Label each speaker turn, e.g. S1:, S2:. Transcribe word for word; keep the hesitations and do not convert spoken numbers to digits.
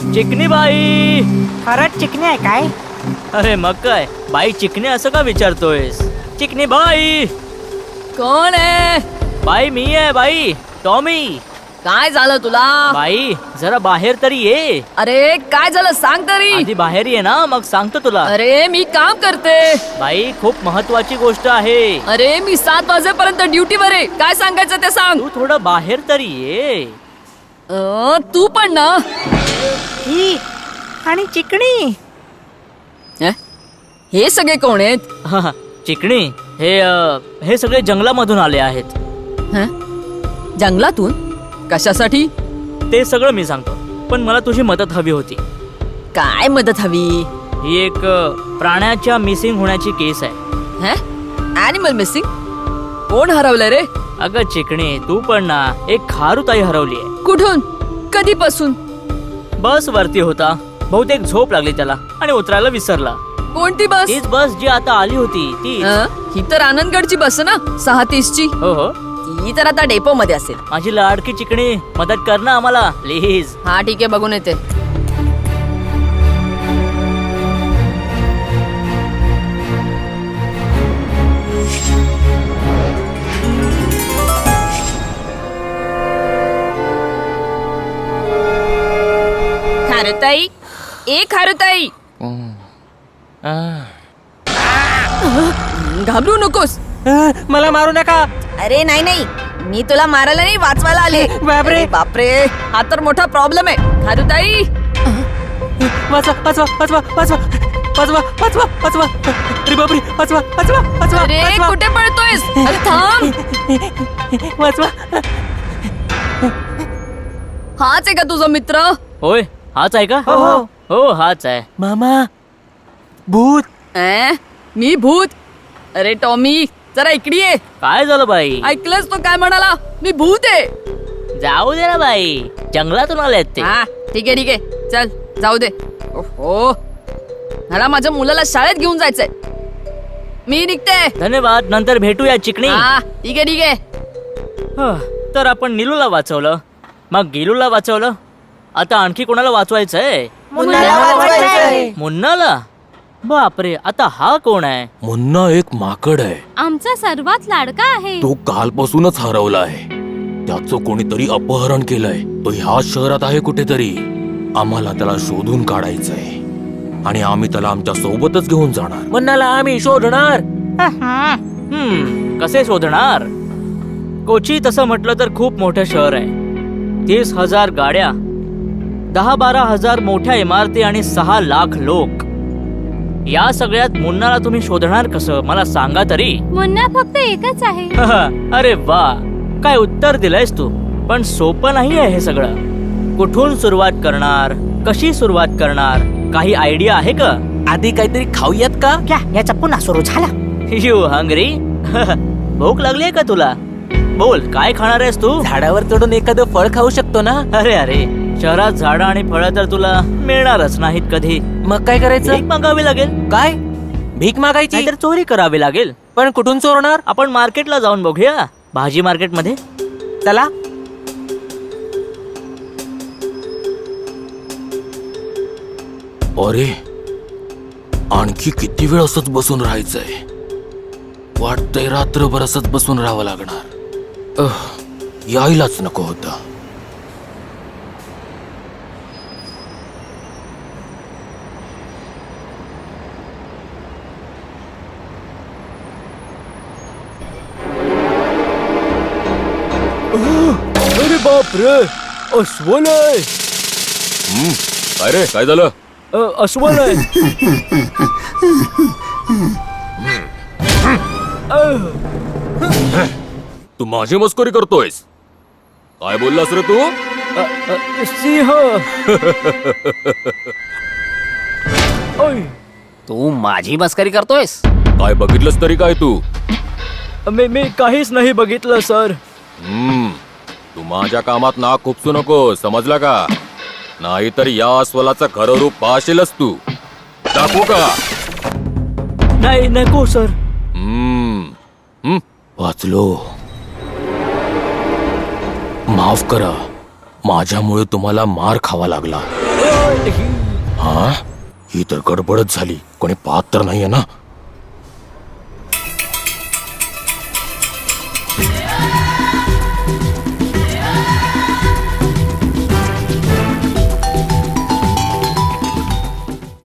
S1: चिकनी बाई.
S2: खरंच चिकनी आहे काय?
S1: अरे मग काय बाई चिकनी असं का विचारतोयस? चिकनी बाई.
S3: कोण आहे?
S1: बाई मी आहे बाई, टॉमी.
S3: काय झालं तुला?
S1: बाई जरा बाहेर तरी ये.
S3: अरे काय झालं सांग तरी.
S1: आधी बाहेर ये ना, मग सांगतो तुला.
S3: अरे मी काम करते.
S1: बाई खूप महत्वाची गोष्ट आहे.
S3: अरे मी सात वाजेपर्यंत ड्युटीवर आहे. काय सांगायचं ते सांग.
S1: तू थोडं बाहेर तरी ये.
S3: अ, तू पण ना.
S2: ही आणि चिकणी.
S3: हे? हे सगळे कोण आहेत?
S1: हा, चिकणी हे अ, हे सगळे जंगलामधून आले आहेत.
S3: हं? जंगलातून कशासाठी?
S1: ते सगळं मी सांगतो, पण मला तुझी मदत हवी होती.
S3: काय मदत हवी?
S1: ही एक अ, प्राण्याच्या मिसिंग होण्याची केस आहे.
S3: Animal missing? कोण हरवलं रे?
S1: अगं चिकणी तू पण ना, एक खारुताई हरवली आहे.
S3: कुठून? कधीपासून?
S1: बस वरती होता, बहुतेक झोप लागली त्याला आणि उतरायला विसरला.
S3: कोणती बस?
S1: तीच बस जी आता आली होती ती.
S3: अ, ही तर आनंदगडची बस ना, सहा तीस ची.
S1: हो हो,
S3: ती तर आता डेपो मध्ये असेल.
S1: माझी लाडकी चिकणी मदत कर ना आम्हाला प्लीज.
S3: हा ठीक आहे, बघून येते. खारुताई, ए खारुताई. घाबरू नकोस.
S2: मला मारू नका.
S3: अरे नाही नाही, मी तुला मारायला नाही, वाचवायला आले.
S2: बापरे.
S3: अरे बापरे, हा तर मोठा प्रॉब्लेम आहे. खारुताई
S2: वाचवा वाचवा वाचवा वाचवा वाचवा वाचवा वाचवा. अरे बापरे, वाचवा वाचवा वाचवा
S3: अरे
S2: वाचवा.
S3: कुठे पळतोयस? अरे थांब.
S2: वाचवा.
S3: हाच आहे का तुझा मित्र?
S1: होय हाच आहे का?
S2: हो, हो.
S1: हो हाच आहे.
S2: मामा भूत.
S3: अं? मी भूत? अरे टॉमी जरा इकडे ये.
S1: काय झालं बाई?
S3: ऐकलंस तो काय म्हणाला? मी भूत आहे.
S1: जाऊ दे ना बाई, जंगलातून आलेत ते.
S3: हा ठीक आहे ठीक आहे, चल जाऊ दे. ओहो, मला माझ्या मुलाला शाळेत घेऊन जायचंय. मी निघते.
S1: धन्यवाद, नंतर भेटूया चिकणी.
S3: हा ठीक आहे ठीक आहे.
S1: हं, तर आपण नीलूला वाचवलं, मग गिलूला वाचवलं, आता आणखी कोणाला वाचवायचंय?
S2: मुन्नाला वाचवायचंय.
S1: मुन्नाला? बापरे, आता हा कोण आहे?
S4: मुन्ना एक माकड आहे.
S5: आमचा सर्वात लाडका आहे.
S4: तो कालपासूनच हरवला आहे. त्याचं कोणीतरी अपहरण केलंय. तो ह्याच शहरात आहे कुठेतरी. आम्हाला त्याला शोधून काढायचंय आणि आम्ही त्याला आमच्या सोबतच घेऊन जाणार.
S2: मुन्नाला आम्ही शोधणार.
S1: हम्म कसे शोधणार? कोची तसं म्हटलं तर खूप मोठं शहर आहे. तीस हजार गाड्या, दहा बारा हजार मोठ्या इमारती आणि सहा लाख लोक. या सगळ्यात मुन्नाला तुम्ही शोधणार कसं, मला सांगा तरी.
S5: मुन्ना फक्त एकच आहे.
S1: अरे वा, काय उत्तर दिलंयस तू. पण सोपं नाही आहे हे सगळं. कुठून सुरुवात करणार, कशी सुरुवात करणार, काही आयडिया आहे का?
S2: आधी काहीतरी खाऊयात का? क्या याचा पुन्हा सुरू झाला.
S1: You hungry? भूक लागली आहे का तुला? बोल, काय खाणार आहेस तू?
S2: झाडावर चढून एखादं फळ खाऊ शकतो ना.
S1: अरे अरे, शहरात झाडं आणि फळं तर तुला मिळणारच नाहीत कधी.
S2: मग काय
S1: भीक
S2: करायचं?
S1: मागावी लागेल.
S2: काय भीक मागायची?
S1: नाहीतर चोरी करावी लागेल.
S2: पण कुठून चोरणार?
S1: आपण मार्केटला जाऊन बघूया, भाजी मार्केट मध्ये.
S2: चला.
S4: अरे, आणखी किती वेळ असंच बसून राहायचंय? वाटतंय रात्रभर असंच बसून राहावं लागणार. अह, यायलाच नको होता.
S1: अरे बाप रे, अस्वल आहे.
S4: काय रे, काय झालं?
S1: अस्वल आहे.
S4: तू माझी मस्करी करतोयस? काय बोललास रे तू?
S1: सिंह.
S3: तू माझी मस्करी करतोयस?
S4: काय बघितलंस तरी काय तू?
S1: मी मी काहीच नाही बघितलं सर.
S4: हम्म, तू माझ्या कामात नाक खुपसू नको, समजला का? नाहीतर या अस्वलाचं खरं रूप पाहशीलच तू. दाखवू का?
S1: नाही नको सर.
S4: हम्म, हम्म, वाचलो. माफ करा, माझ्यामुळे तुम्हाला मार खावा लागला. हा ही तर गडबडच झाली. कोणी पाहत तर नाहीये ना?